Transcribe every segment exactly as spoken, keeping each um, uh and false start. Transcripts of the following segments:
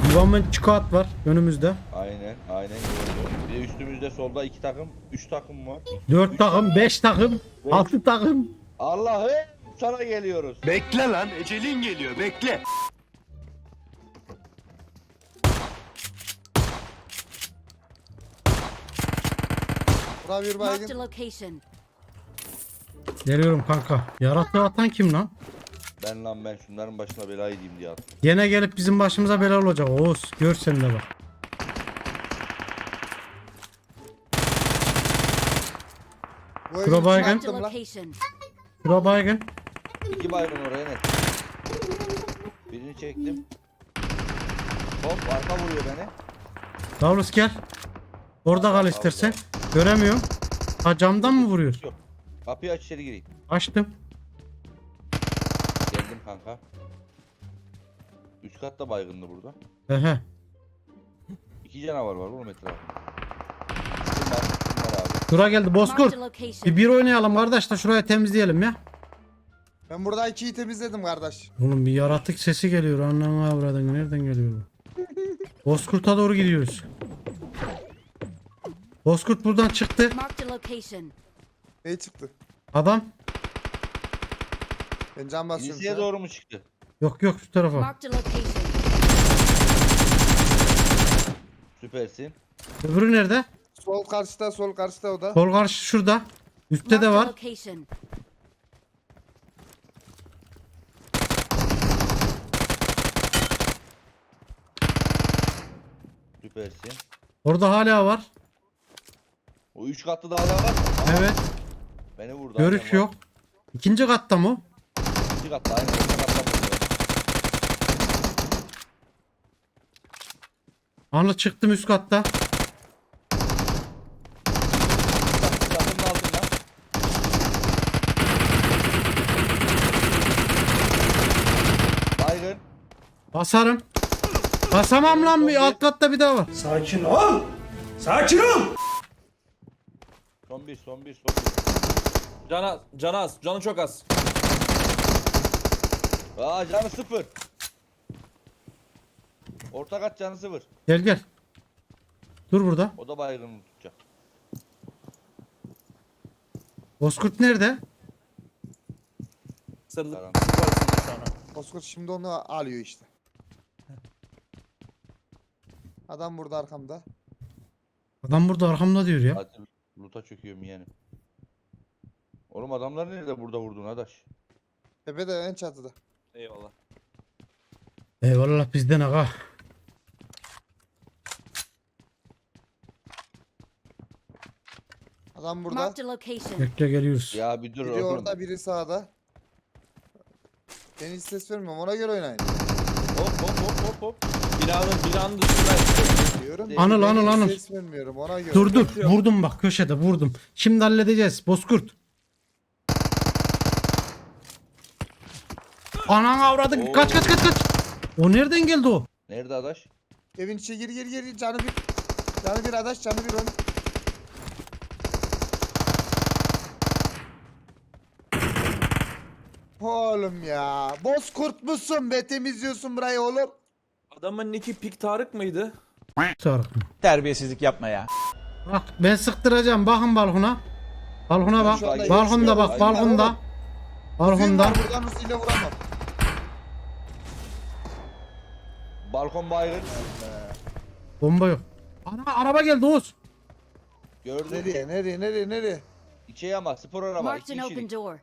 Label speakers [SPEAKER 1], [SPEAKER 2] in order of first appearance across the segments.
[SPEAKER 1] Yuvanın çikolat var önümüzde.
[SPEAKER 2] Aynen aynen gördüm. Bir de üstümüzde solda iki takım, üç takım var.
[SPEAKER 1] Dört
[SPEAKER 2] Üç
[SPEAKER 1] takım, beş takım,
[SPEAKER 2] Beş.
[SPEAKER 1] altı takım.
[SPEAKER 2] Allah'ım sana geliyoruz.
[SPEAKER 3] Bekle lan, ecelin geliyor, bekle.
[SPEAKER 4] Bura bir
[SPEAKER 5] Marked a
[SPEAKER 4] baygın.
[SPEAKER 5] location.
[SPEAKER 1] Geliyorum kanka. Yaratığı atan kim lan?
[SPEAKER 2] Ben lan ben şunların başına bela edeyim diye attım.
[SPEAKER 1] Gene gelip bizim başımıza bela olacak Oğuz. Gör sen de bak.
[SPEAKER 4] Bu
[SPEAKER 1] Şura
[SPEAKER 4] evin
[SPEAKER 1] baygın.
[SPEAKER 4] içine
[SPEAKER 5] Marked a
[SPEAKER 4] attım lan.
[SPEAKER 5] location.
[SPEAKER 1] Şura baygın.
[SPEAKER 2] İki baygın oraya net. Birini çektim. Hop arka vuruyor beni.
[SPEAKER 1] Davros gel. Orada kal istersen. Göremiyorum. Ha camdan mı vuruyor?
[SPEAKER 2] Yok. Kapıyı aç içeri gireyim.
[SPEAKER 1] Açtım.
[SPEAKER 2] Geldim kanka. Üst katta baygındı burada.
[SPEAKER 1] Ehe.
[SPEAKER 2] İki canavar var oğlum etrafında. Kim var? Kim var abi?
[SPEAKER 1] Şura geldi Bozkurt.
[SPEAKER 5] Marked a location.
[SPEAKER 1] Bir bir oynayalım kardeş de şuraya temizleyelim ya.
[SPEAKER 4] Ben burada ikiyi temizledim kardeş.
[SPEAKER 1] Oğlum bir yaratık sesi geliyor. Anlamı avradın. Nereden geliyor bu? Bozkurt'a doğru gidiyoruz. Bozkurt buradan çıktı.
[SPEAKER 5] Marked a location.
[SPEAKER 4] Ne çıktı?
[SPEAKER 1] Adam.
[SPEAKER 4] Ben can basıyorum
[SPEAKER 2] İlisiye
[SPEAKER 4] şu an.
[SPEAKER 2] doğru mu çıktı?
[SPEAKER 1] Yok yok şu tarafa.
[SPEAKER 5] Marked a location.
[SPEAKER 2] Süpersin.
[SPEAKER 1] Öbürü nerede?
[SPEAKER 4] Sol karşıda, sol karşıda o da.
[SPEAKER 1] Sol karşı şurada. Üstte de
[SPEAKER 5] Marked a
[SPEAKER 1] var.
[SPEAKER 5] location.
[SPEAKER 2] Süpersin.
[SPEAKER 1] Orada hala var.
[SPEAKER 2] O üç katlı dağlar var mı? Aha,
[SPEAKER 1] Evet.
[SPEAKER 2] beni vurdu.
[SPEAKER 1] Görüş
[SPEAKER 2] aynen var.
[SPEAKER 1] yok. İkinci katta mı? o?
[SPEAKER 2] İki katlı aynen. İki katlı vurdu.
[SPEAKER 1] Anlı çıktım üst katta.
[SPEAKER 2] Takımın altından. Baygın.
[SPEAKER 1] Basarım. Basamam lan bir alt katta bir daha var.
[SPEAKER 3] Sakin ol, sakin ol.
[SPEAKER 2] Son bir son bir son bir.
[SPEAKER 6] Can az, can az, canı çok az.
[SPEAKER 2] Aa canı sıfır. Orta kat canı sıfır.
[SPEAKER 1] Gel gel. Dur burada.
[SPEAKER 2] O da baygın tutacak.
[SPEAKER 1] Bozkurt nerede?
[SPEAKER 6] Sarılıp
[SPEAKER 2] Tamam.
[SPEAKER 6] yukarısında şu an.
[SPEAKER 4] Bozkurt şimdi onu alıyor işte. Adam burada arkamda.
[SPEAKER 1] Adam burada arkamda diyor ya.
[SPEAKER 2] Hadi loot'a çöküyorum yeğenim. Oğlum adamlar nerede burada vurdun adaş?
[SPEAKER 4] Tepede en çatıda.
[SPEAKER 6] Eyvallah.
[SPEAKER 1] Eyvallah bizden aga.
[SPEAKER 4] Adam burada.
[SPEAKER 5] Marked a location.
[SPEAKER 1] Bekle geliyoruz.
[SPEAKER 2] Ya bir dur
[SPEAKER 4] Biri
[SPEAKER 2] oğlum.
[SPEAKER 4] orada, biri sağda. Ben hiç ses vermiyorum, ona göre oynayın.
[SPEAKER 2] Hop hop hop hop hop.
[SPEAKER 6] Binanın, binanın dışında.
[SPEAKER 4] Diyorum.
[SPEAKER 1] Anıl,
[SPEAKER 4] Ben
[SPEAKER 1] Anıl,
[SPEAKER 4] hiç
[SPEAKER 1] Anıl.
[SPEAKER 4] ses vermiyorum, ona göre.
[SPEAKER 1] Dur dur. Vurdum bak köşede vurdum. Şimdi halledeceğiz Bozkurt. Anan avradın.
[SPEAKER 2] Oo.
[SPEAKER 1] Kaç kaç kaç kaç. O nereden geldi o?
[SPEAKER 2] Nerede adaş?
[SPEAKER 4] Evin içine gir gir gir, canı bir. Canı bir adaş, canı bir on. Oğlum ya. Bozkurt musun be, temizliyorsun burayı oğlum.
[SPEAKER 6] Adamın nicki Pik Tarık mıydı?
[SPEAKER 1] Sarık.
[SPEAKER 3] Terbiyesizlik yapma ya.
[SPEAKER 1] Bak ben sıktıracağım. Bakın balkona. Balkona bak.
[SPEAKER 4] Şu anda
[SPEAKER 1] Balkonda
[SPEAKER 4] yaşıyor.
[SPEAKER 1] bak.
[SPEAKER 4] Aynen
[SPEAKER 1] Balkonda.
[SPEAKER 4] oğlum.
[SPEAKER 1] Balkonda.
[SPEAKER 4] Var, buradan hızıyla vuramam.
[SPEAKER 2] Balkon baygın.
[SPEAKER 1] Bomba yok. Ana araba geldi Oğuz.
[SPEAKER 2] Gördüm.
[SPEAKER 4] Nereye nereye nereye nereye?
[SPEAKER 2] İçeri ama spor araba.
[SPEAKER 5] Marked
[SPEAKER 2] İki
[SPEAKER 5] an open
[SPEAKER 2] kişilik.
[SPEAKER 5] door.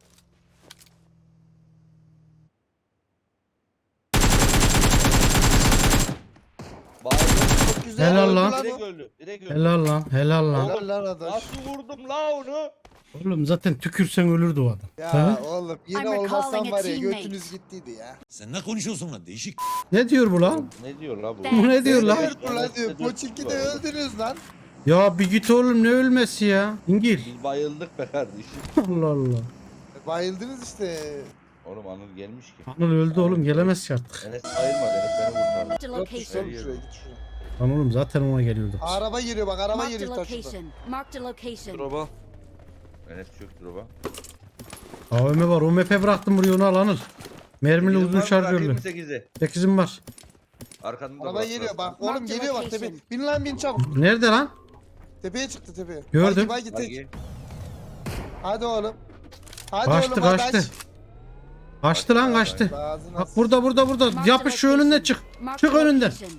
[SPEAKER 2] Baygın.
[SPEAKER 4] Çok güzel.
[SPEAKER 1] Helal
[SPEAKER 4] öldü
[SPEAKER 1] lan.
[SPEAKER 4] o.
[SPEAKER 2] Direkt öldü. Direkt öldü.
[SPEAKER 1] Helal lan. Helal lan.
[SPEAKER 4] Helal lan adaş.
[SPEAKER 2] Nasıl vurdum la onu?
[SPEAKER 1] Oğlum zaten tükürsen ölürdü o adam.
[SPEAKER 4] Ya
[SPEAKER 1] Ha?
[SPEAKER 4] oğlum yine
[SPEAKER 5] I'm
[SPEAKER 4] olmasan
[SPEAKER 5] recalling a
[SPEAKER 4] var ya
[SPEAKER 5] teammate.
[SPEAKER 4] götünüz gittiydi ya.
[SPEAKER 7] Sen ne konuşuyorsun lan değişik.
[SPEAKER 1] Ne diyor bu lan?
[SPEAKER 2] Ne diyor la bu?
[SPEAKER 1] Bu ne diyor lan?
[SPEAKER 4] Diyor bu lan diyor. Poçinki de öldünüz lan.
[SPEAKER 1] Ya bir git oğlum ne ölmesi ya? İngil.
[SPEAKER 2] Biz bayıldık be kardeşim.
[SPEAKER 1] Allah Allah.
[SPEAKER 4] Bayıldınız işte.
[SPEAKER 2] Oğlum Anıl gelmiş ki.
[SPEAKER 1] Anıl öldü oğlum gelemez ki artık.
[SPEAKER 2] Enes bayılmadı. Enes beni kurtardı.
[SPEAKER 5] Marked a
[SPEAKER 4] Yok git
[SPEAKER 5] location.
[SPEAKER 4] şuraya git şuraya.
[SPEAKER 1] Lan oğlum zaten ona geliyordu.
[SPEAKER 4] Araba geliyor bak, araba
[SPEAKER 5] Marked a
[SPEAKER 4] geliyor taşıda.
[SPEAKER 5] location. Marked a location.
[SPEAKER 6] Droba.
[SPEAKER 2] Enes çöktü baba.
[SPEAKER 1] A V M var. O M P bıraktım buraya onu al Anıl. Mermili uzun şarjörlü.
[SPEAKER 2] sekizi.
[SPEAKER 1] sekizim var.
[SPEAKER 2] Arkanda da
[SPEAKER 4] Araba
[SPEAKER 2] bırak,
[SPEAKER 4] geliyor
[SPEAKER 2] bırak.
[SPEAKER 4] bak oğlum
[SPEAKER 5] Marked
[SPEAKER 4] geliyor bak
[SPEAKER 5] location.
[SPEAKER 4] tepe. Bin lan bin çabuk.
[SPEAKER 1] Nerede lan?
[SPEAKER 4] Tepeye çıktı tepeye.
[SPEAKER 1] Gördüm.
[SPEAKER 4] Bagi, bagi, tek.
[SPEAKER 2] Bagi.
[SPEAKER 4] Hadi oğlum. Hadi
[SPEAKER 1] Kaçtı
[SPEAKER 4] oğlum hadi
[SPEAKER 1] kaçtı.
[SPEAKER 4] aç.
[SPEAKER 1] Kaçtı lan kaçtı.
[SPEAKER 4] Ağzına
[SPEAKER 1] Bak burada burada burada.
[SPEAKER 5] Marked
[SPEAKER 1] Yapış şu
[SPEAKER 5] location.
[SPEAKER 1] önünden çık.
[SPEAKER 5] Marked
[SPEAKER 1] Çık önünden.
[SPEAKER 5] location.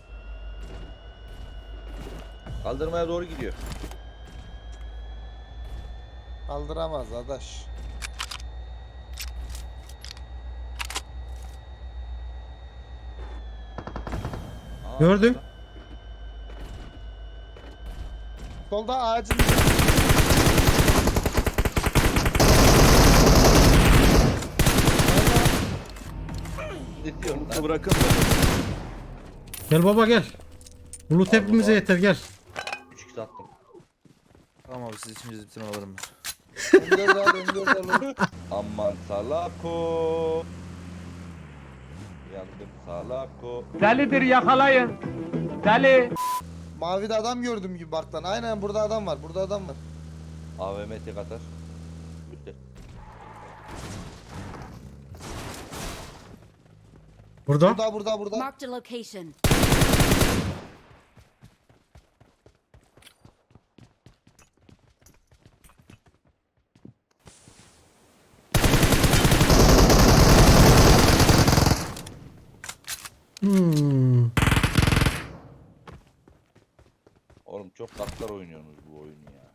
[SPEAKER 2] Kaldırmaya doğru gidiyor.
[SPEAKER 4] Kaldıramaz adaş.
[SPEAKER 2] Aa,
[SPEAKER 1] Gördüm.
[SPEAKER 4] Solda ağacın.
[SPEAKER 2] Ne diyorsun
[SPEAKER 6] Bunu
[SPEAKER 2] lan?
[SPEAKER 6] bırakın da.
[SPEAKER 1] Gel baba gel. Bulut hepimize yeter gel.
[SPEAKER 2] üç x attım.
[SPEAKER 6] Tamam abi siz içinizi bitirin alırım ben.
[SPEAKER 4] M dört al M dört al.
[SPEAKER 2] Aman salako. Yandım salako.
[SPEAKER 3] Delidir yakalayın. Deli.
[SPEAKER 4] Mavide adam gördüm gibi bak lan. Aynen burada adam var. Burada adam var.
[SPEAKER 2] A V M tek atar. Bitti.
[SPEAKER 1] Burada.
[SPEAKER 4] Burada burada burada.
[SPEAKER 5] Marked a location.
[SPEAKER 1] Hmm.
[SPEAKER 2] Oğlum çok katlar oynuyorsunuz bu oyunu ya.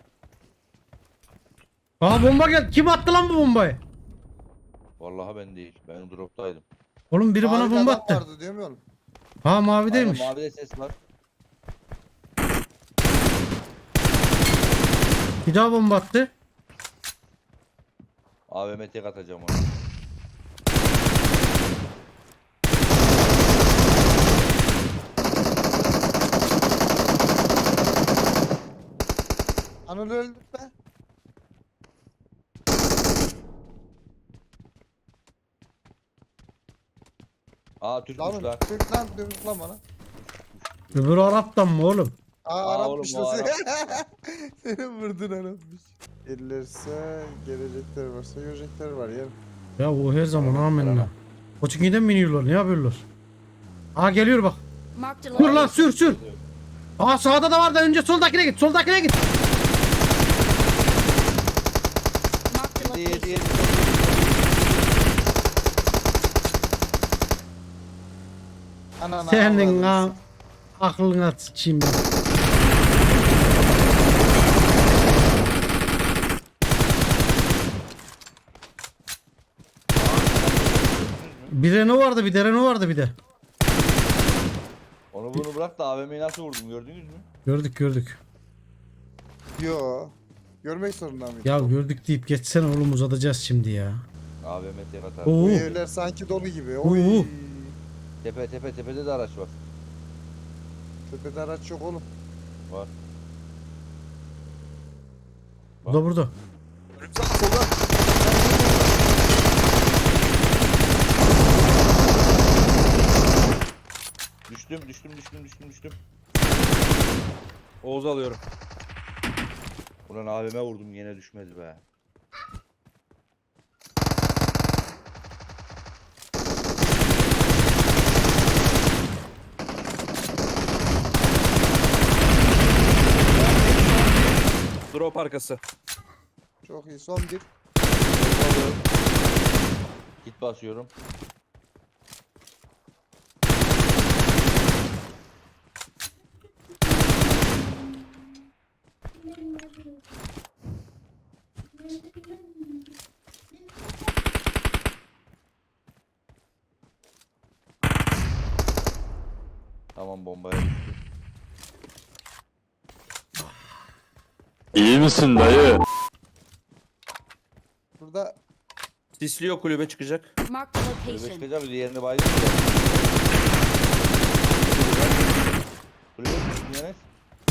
[SPEAKER 1] Aa bomba gel. Kim attı lan bu bombayı?
[SPEAKER 2] Vallahi ben değil. Ben droptaydım.
[SPEAKER 1] Oğlum biri bana
[SPEAKER 4] Mavide
[SPEAKER 1] bomba
[SPEAKER 4] adam
[SPEAKER 1] attı.
[SPEAKER 4] vardı diyor mu oğlum?
[SPEAKER 1] Ha mavideymiş.
[SPEAKER 2] Aynen, mavide ses var.
[SPEAKER 1] Bir daha bomba attı.
[SPEAKER 2] A V M tek atacağım ona.
[SPEAKER 4] Anıl öldü be.
[SPEAKER 2] Aa Türkmüş
[SPEAKER 4] Lan
[SPEAKER 2] lan.
[SPEAKER 4] Türk lan Türk lan bana.
[SPEAKER 1] Öbürü Arap'tan mı oğlum?
[SPEAKER 4] Aa,
[SPEAKER 2] Aa,
[SPEAKER 4] Arapmış
[SPEAKER 2] oğlum, o
[SPEAKER 4] da seni. Seni vurdun Arapmış. Gelirse gelecekler varsa görecekler var ya.
[SPEAKER 1] Ya o her zaman amenna. Koçinki'den mi iniyorlar? Ne yapıyorlar? Aa geliyor bak.
[SPEAKER 5] Marked a
[SPEAKER 1] Dur lan
[SPEAKER 5] location.
[SPEAKER 1] sür sür. Aa sağda da var da önce soldakine git. Soldakine git.
[SPEAKER 5] Marked a
[SPEAKER 2] Yedi yedi
[SPEAKER 5] location.
[SPEAKER 2] yedi.
[SPEAKER 4] Anana
[SPEAKER 1] Senin
[SPEAKER 4] avradını
[SPEAKER 1] ha aklına sıçayım ben. Bir Renault vardı bir de Renault vardı bir de.
[SPEAKER 2] Onu bunu bırak da A V M'yi nasıl vurdum gördünüz mü?
[SPEAKER 1] Gördük gördük.
[SPEAKER 4] Yo. Görmek zorunda mıyım?
[SPEAKER 1] Ya gördük deyip geçsene oğlum uzatacağız şimdi ya.
[SPEAKER 2] A V M tek atar.
[SPEAKER 1] Oo.
[SPEAKER 4] Bu evler sanki dolu gibi. Oy.
[SPEAKER 1] Oo.
[SPEAKER 2] Tepe tepe tepede de araç var.
[SPEAKER 4] Tepede araç yok oğlum.
[SPEAKER 2] Var.
[SPEAKER 1] Burada burada.
[SPEAKER 6] Önümüzden solda.
[SPEAKER 2] Düştüm düştüm düştüm düştüm düştüm.
[SPEAKER 6] Oğuz'u alıyorum.
[SPEAKER 2] Ulan A V M vurdum yine düşmedi be.
[SPEAKER 6] Drop arkası.
[SPEAKER 4] Çok iyi. Son bir.
[SPEAKER 2] Git basıyorum. Tamam bombaya düştü.
[SPEAKER 3] İyi misin dayı?
[SPEAKER 4] Burada
[SPEAKER 6] Sisliyor kulübe çıkacak.
[SPEAKER 5] Marked a
[SPEAKER 2] Kulübe
[SPEAKER 5] location.
[SPEAKER 2] çıkacağım diğerini bayıldı. Kulübe çıktı Enes.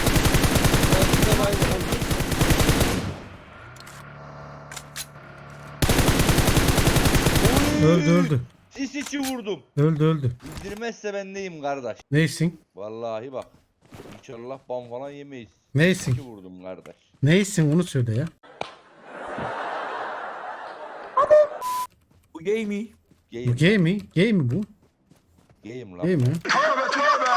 [SPEAKER 1] Öldü öldü.
[SPEAKER 2] Sis içi vurdum.
[SPEAKER 1] Öldü öldü.
[SPEAKER 2] İndirmezse ben neyim kardeş?
[SPEAKER 1] Neysin?
[SPEAKER 2] Vallahi bak. İnşallah ban falan yemeyiz.
[SPEAKER 1] Neysin?
[SPEAKER 2] İki vurdum kardeş.
[SPEAKER 1] Neysin onu söyle ya.
[SPEAKER 6] Bu gay mi?
[SPEAKER 1] Bu
[SPEAKER 2] Game.
[SPEAKER 1] gay mi? Gay mi bu?
[SPEAKER 2] Game lan.
[SPEAKER 1] Gay mi?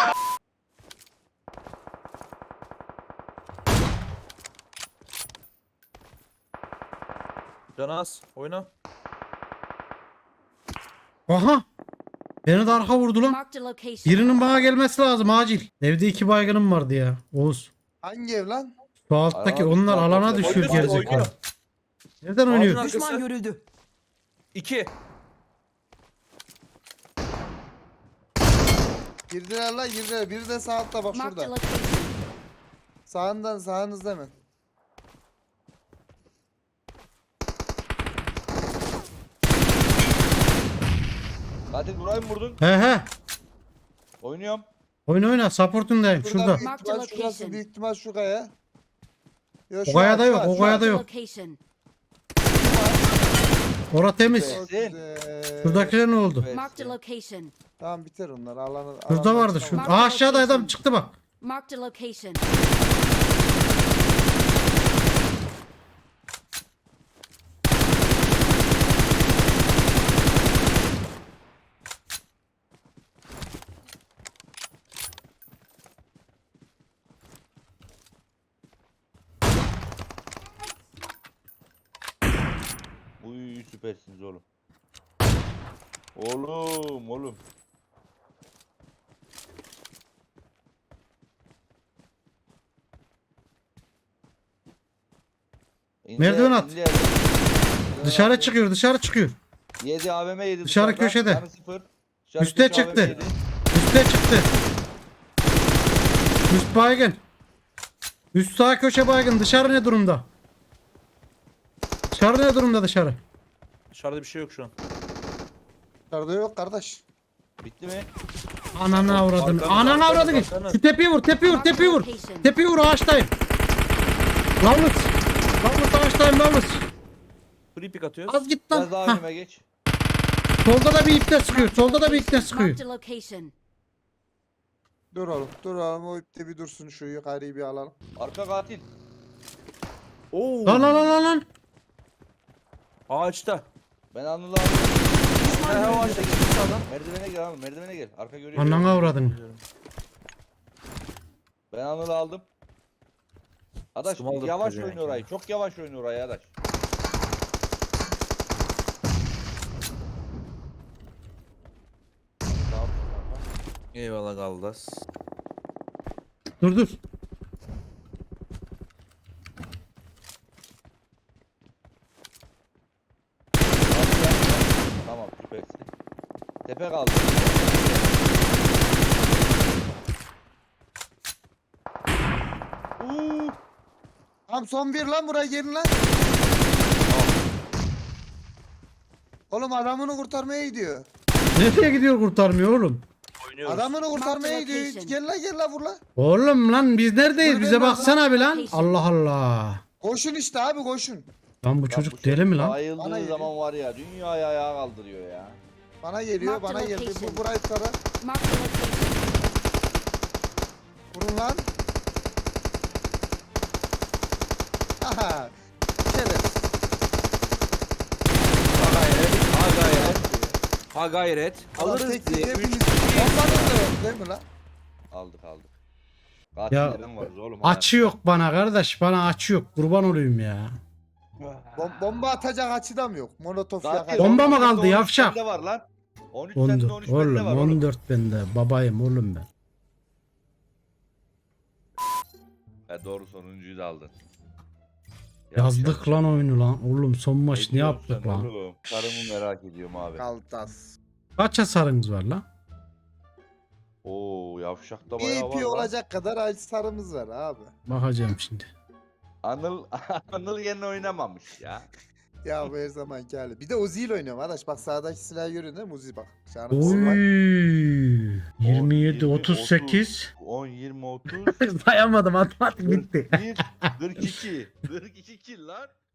[SPEAKER 6] Can az. Oyna.
[SPEAKER 1] Aha. Beni de arka vurdu lan.
[SPEAKER 5] Marked a location.
[SPEAKER 1] Birinin bana gelmesi lazım acil. Evde iki baygınım vardı ya. Oğuz.
[SPEAKER 4] Hangi ev lan?
[SPEAKER 1] Şu alttaki
[SPEAKER 2] Abi,
[SPEAKER 1] onlar
[SPEAKER 2] bak,
[SPEAKER 1] alana
[SPEAKER 2] bak,
[SPEAKER 1] düşüyor
[SPEAKER 6] bak,
[SPEAKER 1] gerizekalı.
[SPEAKER 6] oyna.
[SPEAKER 1] Nereden
[SPEAKER 6] Ağacın
[SPEAKER 1] oynuyor?
[SPEAKER 6] arkası.
[SPEAKER 8] Düşman görüldü.
[SPEAKER 6] İki.
[SPEAKER 4] Girdiler lan girdiler. Biri de sağ altta bak
[SPEAKER 5] Marked a
[SPEAKER 4] şurada.
[SPEAKER 5] location.
[SPEAKER 4] Sağından sağınızda hemen.
[SPEAKER 2] Katil burayı mı vurdun?
[SPEAKER 1] He he.
[SPEAKER 2] Oynuyorum.
[SPEAKER 1] Oyna oyna. Support'undayım.
[SPEAKER 4] Şurada
[SPEAKER 1] Şurada.
[SPEAKER 4] büyük
[SPEAKER 5] Mark the
[SPEAKER 4] ihtimal şurası
[SPEAKER 5] location.
[SPEAKER 4] büyük ihtimal şu kaya. Yo,
[SPEAKER 1] O
[SPEAKER 4] şu
[SPEAKER 1] kayada
[SPEAKER 4] var, şu
[SPEAKER 1] yok.
[SPEAKER 4] var,
[SPEAKER 1] O
[SPEAKER 4] şu var.
[SPEAKER 1] kayada
[SPEAKER 5] Marked a
[SPEAKER 1] yok.
[SPEAKER 5] location.
[SPEAKER 1] Ora temiz.
[SPEAKER 4] Çok
[SPEAKER 2] Sen.
[SPEAKER 4] güzel.
[SPEAKER 1] Şuradakiler ne oldu?
[SPEAKER 5] Marked a location.
[SPEAKER 4] Tamam biter onlar. Alanı,
[SPEAKER 1] Şurada
[SPEAKER 4] alandan
[SPEAKER 1] vardı.
[SPEAKER 4] çıkamaz.
[SPEAKER 1] Şurada. Aa, aşağıda adam çıktı bak.
[SPEAKER 5] Marked a location.
[SPEAKER 2] Uy süpersiniz oğlum. Oğlum oğlum. İnce-
[SPEAKER 1] Merdiven at.
[SPEAKER 2] ince yerden-
[SPEAKER 1] Dışarı
[SPEAKER 2] attı.
[SPEAKER 1] çıkıyor. Dışarı çıkıyor.
[SPEAKER 2] Yedi A V M yedi.
[SPEAKER 1] Dışarı
[SPEAKER 2] dışarıda,
[SPEAKER 1] köşede.
[SPEAKER 2] canı sıfır. Dışarı
[SPEAKER 1] Üste
[SPEAKER 2] köşe A V M
[SPEAKER 1] çıktı.
[SPEAKER 2] yedi.
[SPEAKER 1] Üste çıktı. Üst baygın. Üst sağ köşe baygın. Dışarı ne durumda? Dışarı ne durumda dışarı?
[SPEAKER 6] Dışarıda bir şey yok şu an.
[SPEAKER 4] Dışarıda yok kardeş.
[SPEAKER 2] Bitti mi?
[SPEAKER 1] Ananı avradın.
[SPEAKER 6] Arkanız,
[SPEAKER 1] Ananı
[SPEAKER 6] arkanız,
[SPEAKER 1] avradın.
[SPEAKER 6] arkanız.
[SPEAKER 1] Şu tepeyi vur. Tepeyi vur. Tepeyi vur. Tepeyi vur. Ağaçtayım. Lavlut. Lavlut ağaçtayım. Lavlut.
[SPEAKER 6] Free pick atıyoruz.
[SPEAKER 1] Az git
[SPEAKER 2] Biraz
[SPEAKER 1] lan.
[SPEAKER 2] daha
[SPEAKER 1] Hah.
[SPEAKER 2] önüme geç.
[SPEAKER 1] Solda da bir ipte sıkıyor. Solda da bir ipte sıkıyor.
[SPEAKER 5] Marked a location.
[SPEAKER 4] Dur oğlum. Dur oğlum. O ipte bir dursun. Şu yukarıyı bir alalım.
[SPEAKER 2] Arka katil.
[SPEAKER 6] Oo.
[SPEAKER 1] Lan lan lan lan lan.
[SPEAKER 6] Ağaçta.
[SPEAKER 2] Ben Anıl'ı aldım.
[SPEAKER 6] He he o ağaçta gitti sağdan.
[SPEAKER 2] Merdivene gel Anıl. Merdivene gel. Arka görüyor.
[SPEAKER 1] Ananı avradın.
[SPEAKER 2] Ben Anıl'ı aldım. Adaş
[SPEAKER 6] Sıkım aldık
[SPEAKER 2] yavaş
[SPEAKER 6] tabii
[SPEAKER 2] oynuyor
[SPEAKER 6] yani.
[SPEAKER 2] orayı. Çok yavaş oynuyor orayı Adaş. Tamam.
[SPEAKER 6] Eyvallah Galdas.
[SPEAKER 1] Dur dur.
[SPEAKER 2] Tamam süpersin. Tepe kaldı. Uuu.
[SPEAKER 4] Tamam son bir lan buraya gelin lan. Oğlum adamını kurtarmaya gidiyor.
[SPEAKER 1] Nereye gidiyor kurtarmıyor oğlum?
[SPEAKER 6] Oynuyoruz.
[SPEAKER 4] Adamını kurtarmaya
[SPEAKER 5] Marked
[SPEAKER 4] gidiyor.
[SPEAKER 5] location.
[SPEAKER 4] Gel lan gel lan vur lan.
[SPEAKER 1] Oğlum lan biz neredeyiz?
[SPEAKER 4] Dur,
[SPEAKER 1] Bize
[SPEAKER 4] ben
[SPEAKER 1] baksana bir lan.
[SPEAKER 5] Location.
[SPEAKER 1] Allah Allah.
[SPEAKER 4] Koşun işte abi koşun.
[SPEAKER 1] Lan bu
[SPEAKER 2] Lan
[SPEAKER 1] çocuk
[SPEAKER 2] bu
[SPEAKER 1] deli mi lan?
[SPEAKER 4] Bana
[SPEAKER 2] Bayıldığı
[SPEAKER 4] geliyor.
[SPEAKER 2] zaman var ya dünyayı ayağa kaldırıyor ya.
[SPEAKER 4] Bana geliyor
[SPEAKER 5] Mark the
[SPEAKER 4] bana geldi.
[SPEAKER 5] location.
[SPEAKER 4] Bu burayı tara.
[SPEAKER 5] Marked a location.
[SPEAKER 4] Vurun lan. Aha. Şeref.
[SPEAKER 6] Ha gayret. Ha gayret. Ha gayret. Alırız
[SPEAKER 4] Tek
[SPEAKER 6] diye.
[SPEAKER 4] tek
[SPEAKER 6] Üç.
[SPEAKER 4] hepiniz. Bombanız da yok değil mi lan?
[SPEAKER 2] Aldık aldık.
[SPEAKER 1] Ya,
[SPEAKER 2] Katillerden varız oğlum.
[SPEAKER 1] Açı yok bana kardeş. Bana açı yok. Kurban olayım ya.
[SPEAKER 4] Bom bomba atacak açıda mı yok? Molotof
[SPEAKER 2] Zaten
[SPEAKER 4] yakacak.
[SPEAKER 1] Bomba mı
[SPEAKER 2] on üç
[SPEAKER 1] kaldı,
[SPEAKER 2] sende
[SPEAKER 1] yavşak?
[SPEAKER 2] var lan. on üç sende
[SPEAKER 1] on dört.
[SPEAKER 2] on üç bende
[SPEAKER 1] Oğlum
[SPEAKER 2] var oğlum.
[SPEAKER 1] on dört bende. Babayım oğlum ben.
[SPEAKER 2] He doğru sonuncuyu da aldın.
[SPEAKER 1] Yazdık lan oyunu lan. Oğlum son maç ne
[SPEAKER 2] diyorsun
[SPEAKER 1] yaptık
[SPEAKER 2] sen
[SPEAKER 1] lan?
[SPEAKER 2] oğlum? Karımı merak ediyorum abi.
[SPEAKER 4] Kaltas.
[SPEAKER 1] Kaç hasarınız var lan?
[SPEAKER 2] Oo yavşak da bayağı var
[SPEAKER 4] E P
[SPEAKER 2] lan.
[SPEAKER 4] olacak kadar acı sarımız var abi.
[SPEAKER 1] Bakacağım şimdi.
[SPEAKER 2] Anıl, Anıl yerine oynamamış ya.
[SPEAKER 4] Ya bu her zamanki hali. Bir de Uzi ile oynuyorum arkadaş. Bak sağdaki silahı görüyorsun değil mi? Uzi bak. Canım
[SPEAKER 1] Oy.
[SPEAKER 4] Uzi var.
[SPEAKER 1] yirmi yedi
[SPEAKER 2] on,
[SPEAKER 1] otuz sekiz.
[SPEAKER 2] on, yirmi, otuz.
[SPEAKER 1] Sayamadım matematik bitti.
[SPEAKER 2] bir, kırk iki. kırk iki kill lan.